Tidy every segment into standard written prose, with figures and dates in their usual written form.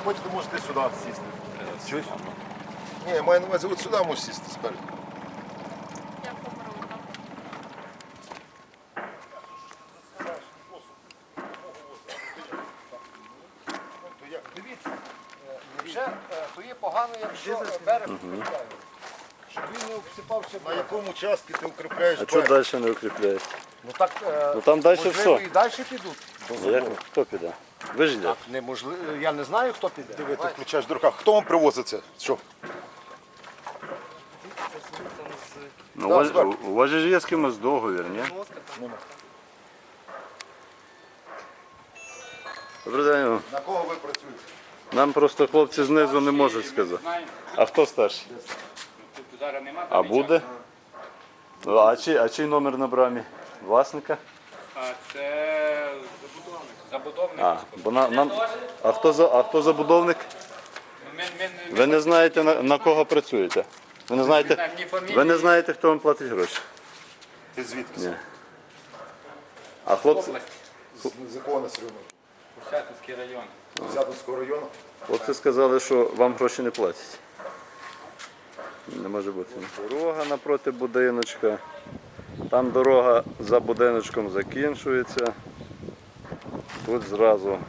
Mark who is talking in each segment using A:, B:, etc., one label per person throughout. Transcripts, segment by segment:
A: хочете, можете сюди сісти. Чуєш? Ні, я маю на увазі, от сюди можеш сісти спереду.
B: Я помру там.
C: Дивіться, вже то є погано, якщо берег укріпляє. Щоб він не обсипався.
A: На якому участку ти укріпляєш
D: А чого
A: берег?
D: далі не укріпляєте?
C: Ну так,
D: Ну там далі
C: можливо,
D: все.
C: і далі підуть.
D: Як? Хто піде? Ви ж йдете.
C: Неможливо, я не знаю, хто піде.
A: Диви, ти включаєш до руках. Хто вам привозить це? Що?
D: Ну,
A: Да, зверху.
D: у вас же ж є з кимось договір, ні?
A: Нема.
D: Добрий день.
A: На кого ви працюєте?
D: Нам просто хлопці знизу не можуть сказати. А хто старший? А буде? Ну, а чий номер на брамі? Власника?
E: А це забудовник.
D: А хто забудовник? Ви не знаєте на кого працюєте? Ви не знаєте, хто вам платить гроші?
A: Ти звідки?
D: Ні. А хлопці,
A: З якого населеного?
E: Курчатинський район.
A: Зятинського району?
D: хлопці сказали, що вам гроші не платять. Не може бути. Дорога напроти будиночка. Там дорога за будиночком закінчується. Тут зразу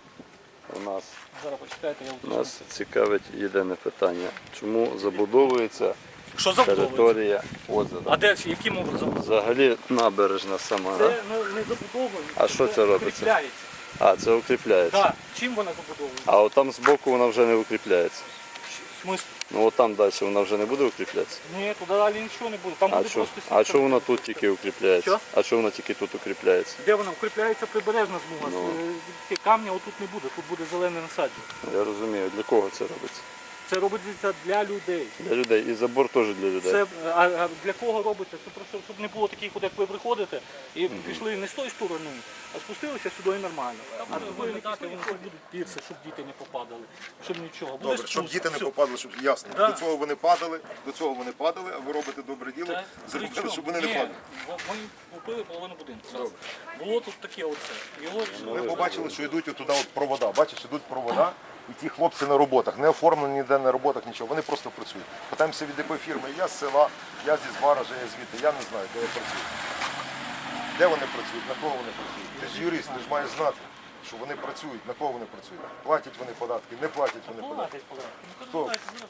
F: Зараз почекайте, я
D: нас цікавить єдине питання. Чому забудовується
F: Що забудовується?
D: територія озера?
F: А де, яким образом?
D: Взагалі набережна сама.
F: Це не забудовується.
D: А що це робиться?
F: Укріпляється.
D: А, це укріпляється.
F: Так. Чим вона забудовується?
D: А от там збоку вона вже не укріпляється.
F: В смислі?
D: Ну от там далі вона вже не буде укріплятися.
F: Ні, туди далі нічого не буде. Там буде просто
D: А
F: сітка.
D: що вона тут тільки укріпляється?
F: Що?
D: А що вона тільки тут укріпляється?
F: Де вона? Укріпляється прибережна смуга.
D: Ну.
F: Камня отут не буде, тут буде зелене насадження.
D: Я розумію, для кого це робиться?
F: Це робиться для людей.
D: Для людей. І забор теж для людей.
F: Це, а для кого робиться? Це просто, щоб не було таких, от, як ви приходите і пішли не з тої сторони, а спустилися сюди і нормально. А ви не пішли, вони тут будуть пірси, щоб діти не попадали, щоб нічого. Буде
A: Добре, щоб
F: спуск,
A: діти не
F: все.
A: попадали, щоб ясно.
F: Да.
A: До цього вони падали, а ви робите добре діло,
F: Та,
A: зробили,
F: причому?
A: щоб вони не
F: Ні,
A: падали.
F: Ми купили половину будинку. зразу. Було тут таке оце. Його
A: Ми побачили, що йдуть туди от провода. Бачиш, йдуть провода, і ті хлопці на роботах, не оформлені ніде на роботах, нічого. Вони просто працюють. Питаємося від якої фірми. Я з села, я зі Зваража, я звідти. Я не знаю, де я працюю. Де вони працюють, на кого вони працюють. Ти ж юрист, ти ж маєш знати, що вони працюють, на кого вони працюють. Платять вони податки, не платять вони податки. Хто?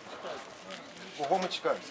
A: Кого ми чекаємо?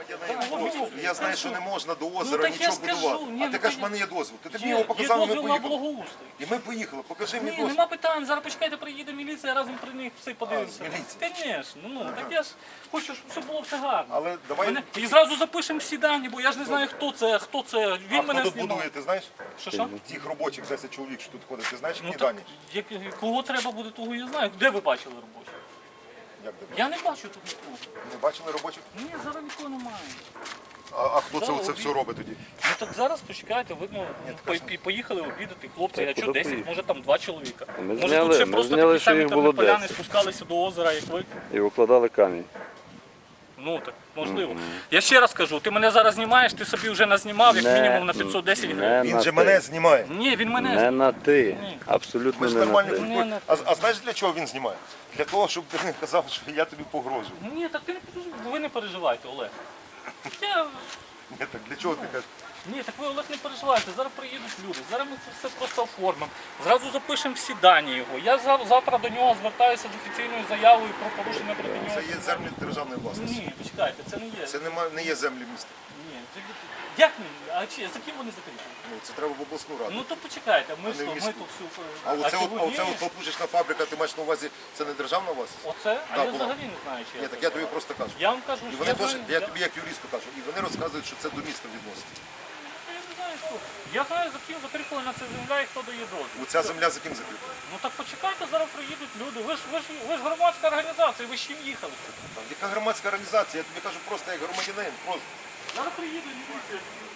A: Я знаю, що не можна до озера
F: так я
A: нічого
F: скажу.
A: будувати.
F: Ні,
A: А ти
F: ну,
A: кажеш, в мене є дозвіл. Ти мені його показав, і ми
F: на
A: поїхали.
F: благоустрій.
A: І ми поїхали. Покажи мені
F: Ні,
A: дозвіл.
F: нема питань, зараз почекайте, приїде міліція, разом при них все подивимося.
A: міліція?
F: Звісно, ну так я ж хочу, щоб все було все гарно.
A: Але давай.
F: І зразу запишемо всі дані, бо я ж не знаю, хто це.
A: А
F: Він
A: хто
F: мене
A: тут
F: знімав.
A: будує, ти знаєш?
F: Що?
A: Тих робочих 10 чоловік, що тут ходить, ти знаєш,
F: Ну
A: які
F: так,
A: дані?
F: кого треба буде, того я знаю. Де ви бачили робочих?
A: Як тебе?
F: Я не бачу тут нікого.
A: Не бачили робочих?
F: Ні, зараз нікого немає.
A: А хто це
F: Да,
A: оце все робить тоді?
F: Ну так зараз почекайте, видно, поїхали обідати хлопці, а що
D: куди
F: 10,
D: поїхали?
F: може там 2 чоловіка.
D: Ми
F: Може
D: зняли-
F: тут ще
D: ми
F: просто
D: зняли,
F: такі
D: що
F: самі
D: їх було
F: тернополяни
D: 10.
F: спускалися до озера, як ви.
D: І укладали камінь.
F: Ну так, можливо. Я ще раз кажу, ти мене зараз знімаєш, ти собі вже назнімав як мінімум на 510 гривень.
A: Він же мене знімає.
F: Ні, він мене
D: Не на ти.
F: Ні.
D: Абсолютно
A: Ми ж
D: не на
A: нормальні
D: ти.
A: люди.
F: Ні,
A: А знаєш для чого він знімає? Для того, щоб ти не казав, що я тобі погрожую.
F: Ні, так ти не переживай, ви не переживайте, Олег. Я...
A: Ні, так для чого ти кажеш?
F: Ні, так ви, Олег, не переживайте, зараз приїдуть люди, зараз ми це все просто оформимо. Зразу запишемо всі дані його. Я завтра до нього звертаюся з офіційною заявою про порушення проти нього.
A: Це є землі державної власності.
F: Ні, почекайте, це не є.
A: Це не є землі міста.
F: Ні, як не? А чи за ким вони закріплені?
A: Ну, це треба в обласну раду.
F: Ну то почекайте, ми,
A: А не в
F: ми
A: міську.
F: тут всю.
A: А оце
F: ні?
A: от папужечна фабрика, ти маєш на увазі, це не державна власність?
F: Оце? А
A: Да,
F: я
A: була.
F: взагалі не знаю, чи
A: Ні, так я тобі просто кажу.
F: Я вам кажу,
A: І
F: що
A: вони теж,
F: знаю,
A: я тобі як юристу кажу, і вони розказують, що це до міста відносить.
F: Я не знаю, що. Я знаю, за ким закріплена ця земля і хто дає дозвіл.
A: Оця земля за ким закріплена?
F: Ну так почекайте, зараз приїдуть люди. Ви ж громадська організація, ви з чим їхали?
A: Яка громадська організація? Я тобі кажу просто як громадянин. Просто.
F: Зараз приїдуть міліція.